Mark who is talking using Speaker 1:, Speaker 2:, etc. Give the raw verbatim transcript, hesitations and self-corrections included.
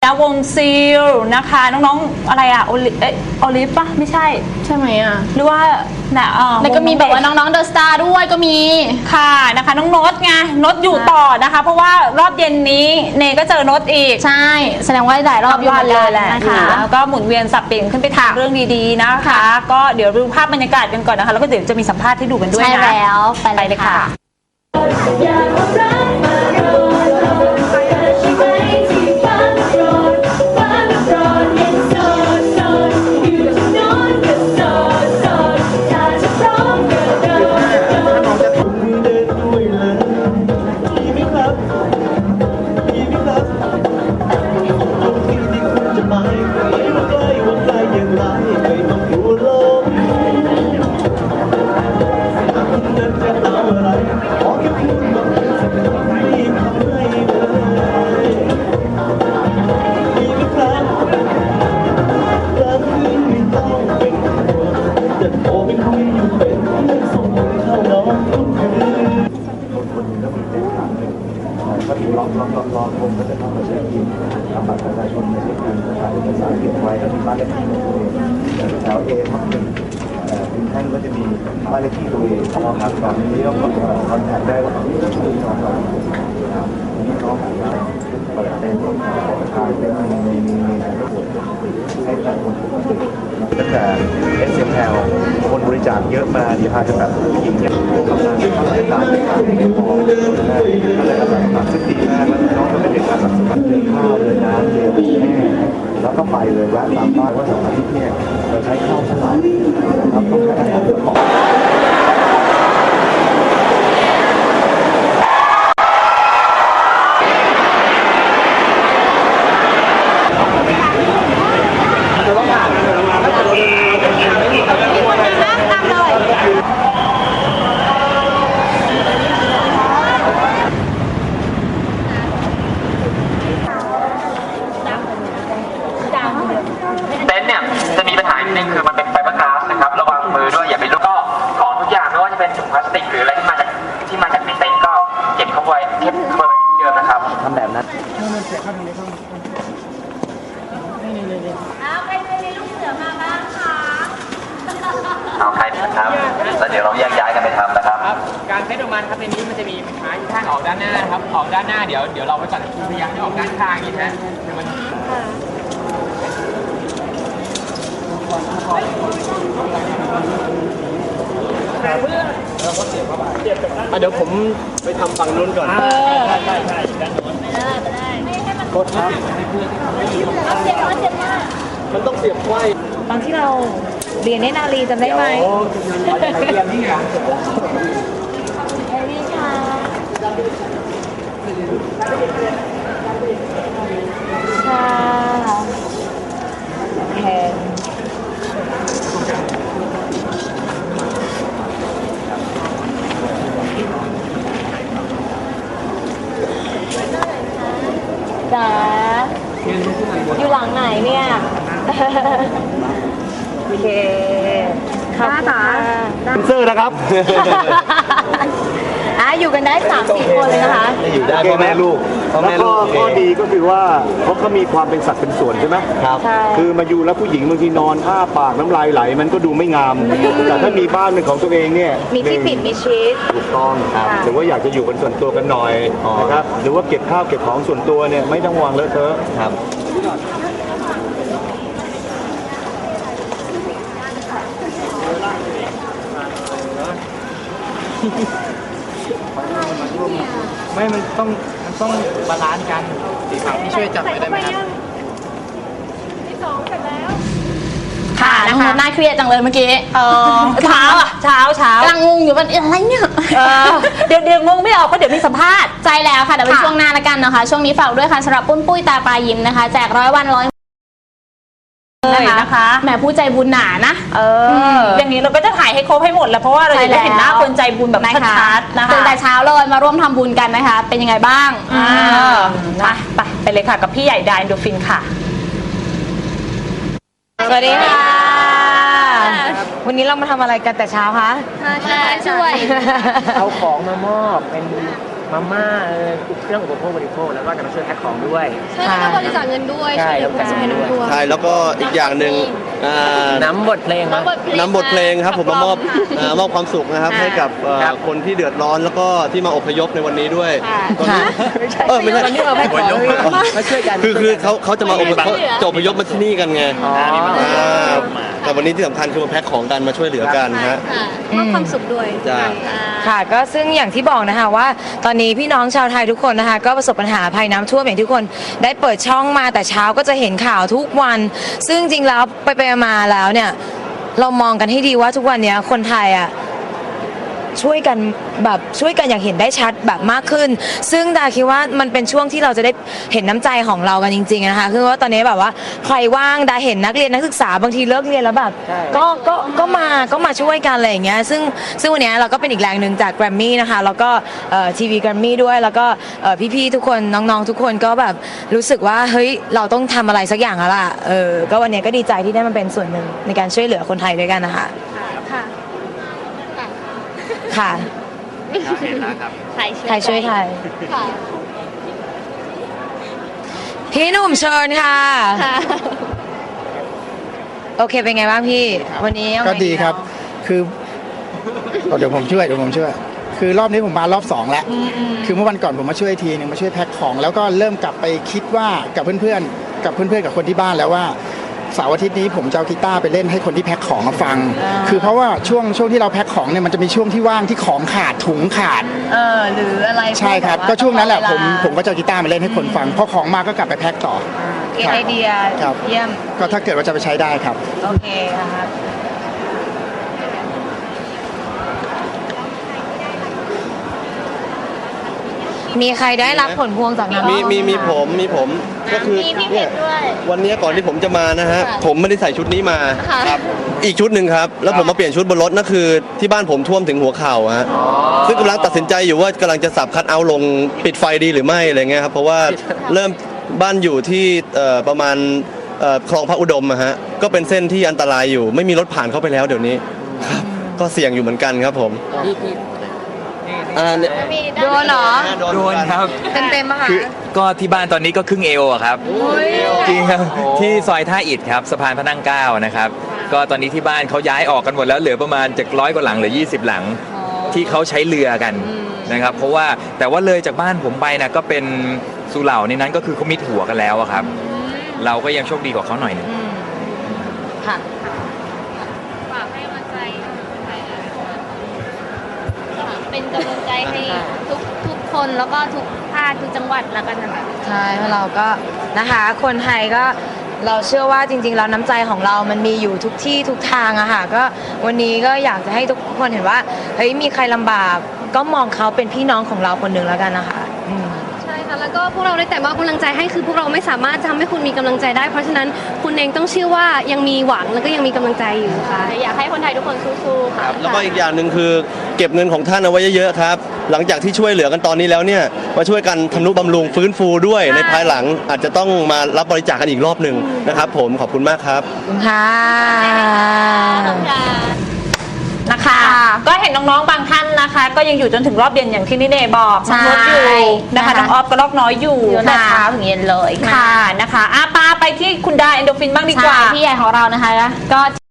Speaker 1: นะวงซีลนะคะน้องๆอะไรอะโอลิเอโอลิฟปะไม่ใช่
Speaker 2: ใช่ไหมอ่ะ
Speaker 1: หรือว่านะเออ
Speaker 2: แล้วก็มีแบบว่าน้องๆเดอะสตาร์ด้วยก็มี
Speaker 1: ค่ะนะคะน้องโน้ตไงโน้ตอยู่ต่อนะคะเพราะว่ารอบเย็นนี้เนก็เจอโน้ตอีก
Speaker 2: ใช่แสดงว่าหลายรอบอยู่เหมือนกันนะคะ
Speaker 1: แล้วก็หมุนเวียนสับเปลี่ยนขึ้นไปทำเรื่องดีๆนะคะก็เดี๋ยวดูภาพบรรยากาศกันก่อนนะคะแล้วก็เดี๋ยวจะมีสัมภาษณ์ให้ดูกันด้วยนะ
Speaker 2: ใช่แล้วไปเลยค่ะ
Speaker 3: ก็มีล็อกล็อกล็อกล็อกผมก็จะเข้ามาเช็คอินทำบัตรประชาชนในเช็คอินถ่ายเอกสารเก็บไว้แล้วมีบ้านเลขที่ตัวเองแถวเอทับหนึ่งถึงท่านก็จะมีบ้านเลขที่ตัวเองเอาครับแบบนี้ก็คอนแทคได้ว่าต้องมีชื่อน้องเรานี่น้องของเราเปิดเป็นถ่ายเป็นมีมีมีให้แต่คนปกติตั้งแต่ เอส เอ็ม แอล คนบริจาคเยอะมาดีพาจะแบบผู้หญิงเนี่ยทำงานที่ทำรายการในการเลี้ยงพออะไรต่างๆซึ่งดีมากแล้วน้องก็ไม่เป็นการแบบสมัครเดินข้าวเดินน้ำเดินแห้งแล้วก็ไปเลยแวะตามบ้านว่าสองอาทิตย์เนี่ยเราใช้ข้าวเท่าไหร่นะครับต้องใช้อาหารเยอะพอ
Speaker 4: เต็นท์เนี่ยจะมีปัญหาหนึ่งคือมันเป็นไฟเบอร์กลาสนะครับระวังมือด้วยอย่าไปลุกก็ของทุกอย่างไม่ว่าจะเป็นถุงพลาสติกหรืออะไรที่มาจากที่มาจากในเต็นท์ก็เก็บเข้าไว้เก็บเข้าไว้ที่เดิมนะครับทำแบบนั้น
Speaker 5: เอาใครเคยเรียนลูกเสือมาบ้างคะ
Speaker 4: เอาใครนะครับแล้วเดี๋ยวเราแยกย้ายกันไปทำนะครับ
Speaker 6: การเซตออกมาครับในนี้มันจะมีไม้ข้างออกด้านหน้านะครับออกด้านหน้าเดี๋ยวเดี๋ยวเราไปก่อนคุณพยายามให้ออกด้านข้างนี่นะเดี๋ยวมันเดี๋ยวผมไปทำฝั่งนู้นก่อนใช่ใช่ใช่ด้านโน้นไม่ได้ไม่ได้ไม่ให้มันโคตรครับเสียบเสียบมากมันต้องเสียบไว้
Speaker 1: ตอนที่เราเรียนในนาลีจำได้ไหม
Speaker 6: เรียนนี่ไง
Speaker 5: เอลี่ค่ะ
Speaker 1: ค่ะแพงจ๋าอยู่หลังไหนเนี่ยโอเคค่ะจ๋า
Speaker 3: เป็นเซอร์นะครับ
Speaker 1: อ่ะอยู่กันได้สามสี่คนเลยนะคะ
Speaker 3: อยู่ได้พ่อแม่ลูกแล้วก็ข้อดีก็คือว่าเขาเขามีความเป็นสัตว์เป็นส่วนใช่ไหมครับคือมาอยู่แล้วผู้หญิงบางทีนอนอ้าปากน้ำลายไหลมันก็ดูไม่งามแต่ถ้ามีบ้านเป็นของตัวเองเนี่ย
Speaker 1: มีที่ปิดมีชีส
Speaker 3: ถูกต้องหรือว่าอยากจะอยู่เป็นส่วนตัวกันหน่อยนะครับหรือว่าเก็บข้าวเก็บของส่วนตัวเนี่ยไม่ต้องวางเลอะเทอะครับ
Speaker 6: ไม่มันต้องมันต้องบาลานซ์กันสีขาวที่ช่วยจับไว้ได้ไหมครับ
Speaker 5: ที่สองเสร็จแล้ว
Speaker 2: ค่ะน้องน่าเครียดจังเลยเมื่อกี้
Speaker 1: เออเช้าอ่ะเช้าเช้าก
Speaker 2: ำลังงงอยู่ว่าอะไรเนี่ย
Speaker 1: เดี๋ยวเดี๋ยวงงไม่ออกเพราะเดี๋ยวมีสัมภาษณ์
Speaker 2: ใจแล้วค่ะเดี๋ยวเป็นช่วงหน้าละกันนะคะช่วงนี้ฝากด้วยค่ะสำหรับปุ้นปุ้ยตาปลายิ้มนะคะแจกร้อยวันร้อย
Speaker 1: นะคะ
Speaker 2: แหมผู้ใจบุญหนานะ
Speaker 1: เอออย่างนี้เราก็จะถ่ายให้ครบให้หมดแล้วเพราะว่าเราจะได้เห็นหน้าคนใจบุญแบบชัดๆนะคะ
Speaker 2: ตื่นแต่เช้าเลยมาร่วมทำบุญกันนะคะเป็นยังไงบ้าง
Speaker 1: ไปไปไปเลยค่ะกับพี่ใหญ่ดาอินโดฟินค่ะสวัสดีค่ะวันนี้เรามาทำอะไรกันแต่เช้าคะ
Speaker 5: มาช่วย
Speaker 6: เอาของมามอบเป็น
Speaker 7: มาม่าเออเครื่องอุปโภคบริโภคแล้วก็จะมาช่วยแพ็คของด้วย
Speaker 5: ใช่แล้วก็บริจาคเงินด้วย
Speaker 7: ใช่
Speaker 5: ช่วยเหลือผู้ประสบภัยน้ำท่วม
Speaker 6: ใช่แล้วก็อีกอย่างหนึ่งอ่า
Speaker 7: น้ำบทเพลงครับ
Speaker 6: นำบทเพลงครับผมมามอบอ่ามอบความสุขนะครับให้กับเอ่อ
Speaker 7: ครับ
Speaker 6: คนที่เดือดร้อนแล้วก็ที่มาอพยพในวันนี้ด้วย
Speaker 2: ค่ะ
Speaker 6: ตอนนี้เออไม่ใช่
Speaker 7: ตอนนี้เราแพ็คของมาช่วยกัน
Speaker 6: คือคือเขาเขาจะมาอพยพเขาจะอพยพมาที่นี่กันไง
Speaker 7: อ๋อ
Speaker 6: อ่าแต่วันนี้ที่สำคัญคือมาแพ็คของกันมาช่วยเหลือกันฮะ
Speaker 5: ค่ะมอบความสุขด้วย
Speaker 6: จ้า
Speaker 8: ค่ะก็ซึ่งอย่างที่บอกนะคะว่าตอนนี้พี่น้องชาวไทยทุกคนนะคะก็ประสบปัญหาภัยน้ำท่วมอย่างที่ทุกคนได้เปิดช่องมาแต่เช้าก็จะเห็นข่าวทุกวัน ซึ่งจริงแล้วไปไปมาๆแล้วเนี่ยเรามองกันให้ดีว่าทุกวันเนี้ยคนไทยอ่ะช่วยกันแบบช่วยกันอย่างเห็นได้ชัดแบบมากขึ้น ซึ่งดาคิดว่ามันเป็นช่วงที่เราจะได้เห็นน้ำใจของเรากันจริงๆนะคะคือว่าตอนนี้แบบว่าใครว่างดาเห็นนักเรียนนักศึกษาบางทีเลิกเรียนแล้วแบบ
Speaker 7: ใช่
Speaker 8: ก็ก็ก็มาก็มาช่วยกันอะไรอย่างเงี้ยซึ่งซึ่งวันนี้เราก็เป็นอีกแรงหนึ่งจากแกรมมี่นะคะแล้วก็ทีวีแกรมมี่ด้วยแล้วก็เอ่อพี่ๆทุกคนน้องๆทุกคนก็แบบรู้สึกว่าเฮ้ยเราต้องทำอะไรสักอย่างแล้วล่ะเออก็วันนี้ก็ดีใจที่ได้มาเป็นส่วนหนึ่งในการช่วยเหลือคนไทยด้วยกันนะคะ
Speaker 5: ค่ะ
Speaker 8: ค่ะ
Speaker 7: เห็นแล้วครับ
Speaker 2: ไทยช่วย
Speaker 8: ไทยช่วยไทย
Speaker 5: ค่ะ
Speaker 8: พี่หนุ่มเชิญค่ะ
Speaker 2: ค่ะ
Speaker 8: โอเคเป็นไงบ้างพี่วันนี้เอาไง
Speaker 9: ก็ดีครับ คือเดี๋ยวผมช่วยเดี๋ยวผมช่วย คือรอบนี้ผมมารอบสองแล้ว คือเมื่อวันก่อนผมมาช่วยทีหนึงมาช่วยแพ็คของ แล้วก็เริ่มกลับไปคิดว่ากับเพื่อนๆ กับเพื่อนๆ กับคนที่บ้านแล้วว่าเสาร์อาทิตย์นี้ผมจะเอากีตาร์ไปเล่นให้คนที่แพ็คของมาฟัง คือเพราะว่าช่วงช่วงที่เราแพ็คของเนี่ยมันจะมีช่วงที่ว่างที่ของขาดถุงขาด
Speaker 8: เออหรืออะไร
Speaker 9: ใช่ครับ
Speaker 8: พว
Speaker 9: ก็
Speaker 8: แ
Speaker 9: ช่วงนั้นแหละผม
Speaker 8: เวลา
Speaker 9: ผมก็จะเอากีตาร์มาเล่นให้คนฟัง พอของมาก็กลับไปแพ็คต่อ
Speaker 8: เกไอเดีย
Speaker 9: ครับ
Speaker 8: เยี่ยม
Speaker 9: ก็ถ้าเกิดว่าจะไปใช้ได้ครับ
Speaker 8: โอเคค่ะมีใครได้รับผลพวงจากน้ำ
Speaker 6: มี
Speaker 8: ท่ว
Speaker 6: มีมีผมมีผมก็คือ
Speaker 2: มีพี่เพ
Speaker 6: เนี่ย
Speaker 2: ชรด้วย
Speaker 6: วันนี้ก่อนที่ผมจะมานะฮะผมไม่ได้ใส่ชุดนี้มา
Speaker 2: ค่ะ
Speaker 6: ครับอีกชุดหนึ่งครับแล้วผมมาเปลี่ยนชุดบนรถนั่นคือที่บ้านผมท่วมถึงหัวเข่าฮะซึ่งกำลังตัดสินใจอยู่ว่ากำลังจะสับคัทเอาท์ลงปิดไฟดีหรือไม่อะไรเงี้ยครับเพราะว่าเริ่มบ้านอยู่ที่เอ่อประมาณเอ่อคลองพระอุดมอะฮะก็เป็นเส้นที่อันตรายอยู่ ไม่มีรถผ่านเข้าไปแล้วเดี๋ยวนี้ครับก็เสี่ยงอยู่เหมือนกันครับผม
Speaker 7: พี่พี่
Speaker 6: อ่าเนี่ย
Speaker 8: โดนเหรอ
Speaker 6: โดนเหมือนกัน
Speaker 10: ครับ
Speaker 8: เต็มเต็มๆอะค่ะ
Speaker 10: คือก็ที่บ้านตอนนี้ก็ครึ่งเอวอะครับจริงครับที่ซอยท่าอิฐครับสะพานพระนั่งเกล้านะครับ ก็ตอนนี้ที่บ้านเขาย้ายออกกันหมดแล้วเหลือประมาณจากร้อยกว่าหลังเหลือยี่สิบหลังที่เขาใช้เรือกันนะครับ เพราะว่าแต่ว่าเลยจากบ้านผมไปนะก็เป็นสุเหร่าในนั้นก็คือเขามิดหัวกันแล้วอะครับ เราก็ยังโชคดีกว่าเขาหน่อยหนึง
Speaker 8: ค่ะ
Speaker 2: ฝากให้กำลังใจเป็นกำลังใจให้ทุกทุกคนแล้วก็ทุกภาคทุกจังหวัดแล้วกันนะคะ
Speaker 8: ใช่เพราะเราก็นะคะคนไทยก็เราเชื่อว่าจริงๆแล้วน้ำใจของเรามันมีอยู่ทุกที่ทุกทางอะค่ะก็วันนี้ก็อยากจะให้ทุกคนเห็นว่าเฮ้ยมีใครลำบากก็มองเขาเป็นพี่น้องของเราคนหนึ่งแล้วกันนะคะอืม
Speaker 5: ใช่ค่ะ แล้วก็พวกเราได้แต่มอบกำลังใจให้คือพวกเราไม่สามารถทำให้คุณมีกำลังใจได้ เพราะฉะนั้นคุณเองต้องเชื่อว่ายังมีหวังแล้วก็ยังมีกำลังใจอยู่ค่ะ
Speaker 2: อยากให้คนไทยทุกคนสู้ๆ
Speaker 6: ค
Speaker 2: ค่ะ
Speaker 6: รับแล้วก็อีกอย่างหนึ่งคือเก็บเงินของท่านเอาไว้เยอะๆครับ หลังจากที่ช่วยเหลือกันตอนนี้แล้วเนี่ยมาช่วยกันทำนุบำรุงฟื้นฟูด้วยในภายหลังอาจจะต้องมารับบริจาคกันอีกรอบหนึ่งนะครับผมขอบคุณมากครับ
Speaker 8: ขอบคุณค่ะ
Speaker 1: นะคะ ก็เห็นน้องๆบางท่านนะคะ ก็ยังอยู่จนถึงรอบเย็นอย่างที่นิเน่บอก
Speaker 2: ใช่
Speaker 1: น้องรถอยู่นะคะ
Speaker 2: นะคะ
Speaker 1: น้องออฟก็รอบน้อยอยู่
Speaker 2: อยู่แต่
Speaker 1: นะคะ
Speaker 2: เช้าถึงเย็นเลย
Speaker 1: ค่ะนะคะอาปาไปที่คุณดาเอนโดฟินบ้างดีกว่า
Speaker 2: ใช่พี่ใหญ่ของเรานะคะก็